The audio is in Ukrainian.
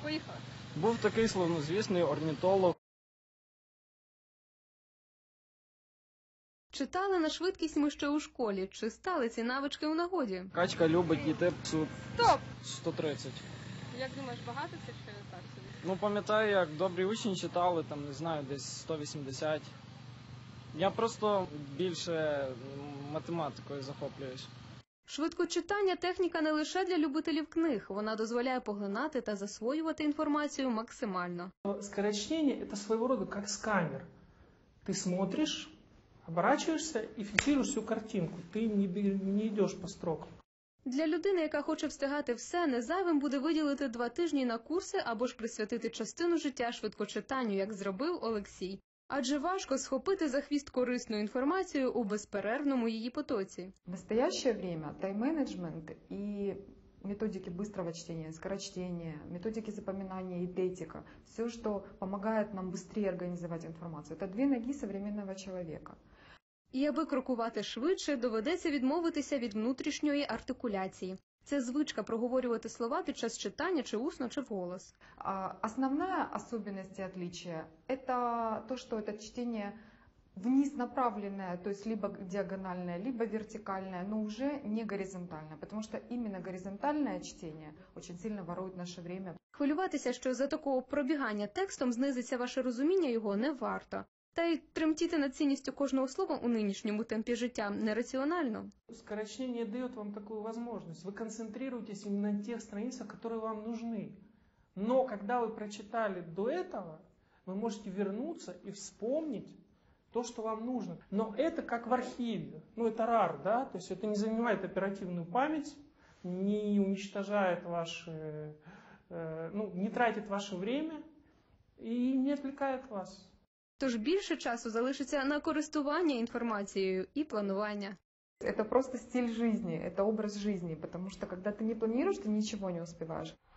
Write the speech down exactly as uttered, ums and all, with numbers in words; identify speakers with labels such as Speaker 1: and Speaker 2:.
Speaker 1: Поїхали.
Speaker 2: Був такий славнозвісний орнітолог.
Speaker 3: Читали на швидкість ми ще у школі. Чи стали ці навички у нагоді?
Speaker 2: Качка любить йти псу
Speaker 1: Стоп!
Speaker 2: сто тридцять.
Speaker 1: Як думаєш, багато це чи так собі?
Speaker 2: Ну, пам'ятаю, як добрі учні читали, там, не знаю, десь сто вісімдесят. Я просто більше математикою захоплююсь.
Speaker 3: Швидкочитання – техніка не лише для любителів книг. Вона дозволяє поглинати та засвоювати інформацію максимально.
Speaker 4: Скорочтение – это своего рода как сканер. Ты смотришь, оборачиваешься и фиксируешь всю картинку. Ты не, не идешь по строкам.
Speaker 3: Для людини, яка хоче встигати все, не зайвим буде виділити два тижні на курси або ж присвятити частину життя швидкочитанню, як зробив Олексій. Адже важко схопити за хвіст корисну інформацію у безперервному її потоці.
Speaker 5: В настоящее время тайм-менеджмент и методики быстрого чтения, скорочтения, методики запоминания и детика, все, что помогает нам быстрее организовать информацию, это две ноги современного человека.
Speaker 3: І аби крокувати швидше, доведеться відмовитися від внутрішньої артикуляції. Це звичка проговорювати слова під час читання чи усно, чи вголос.
Speaker 5: Основная особенность и отличие – это то, что это чтение вниз направленное, то есть либо диагональное, либо вертикальное, но уже не горизонтальное, потому что именно горизонтальное чтение очень сильно ворует наше время.
Speaker 3: Хвилюватися, що за такого пробігання текстом знизиться ваше розуміння його, не варто. Та й тремтіти над цінністю кожного слова у нинішньому темпі життя нераціонально.
Speaker 4: Скорочтение дает вам такую возможность. Вы концентрируетесь именно на тех страницах, которые вам нужны. Но когда вы прочитали до этого, вы можете вернуться и вспомнить то, что вам нужно. Но это как в архиве. Ну, это рар, да? То есть это не занимает оперативную память, не уничтожает ваше, э, ну, не тратит ваше время и не отвлекает вас.
Speaker 3: Тож більше часу залишиться на користування інформацією і планування.
Speaker 5: Это просто стиль жизни, это образ жизни, потому что когда ты не планируешь, ты ничего не успеваешь.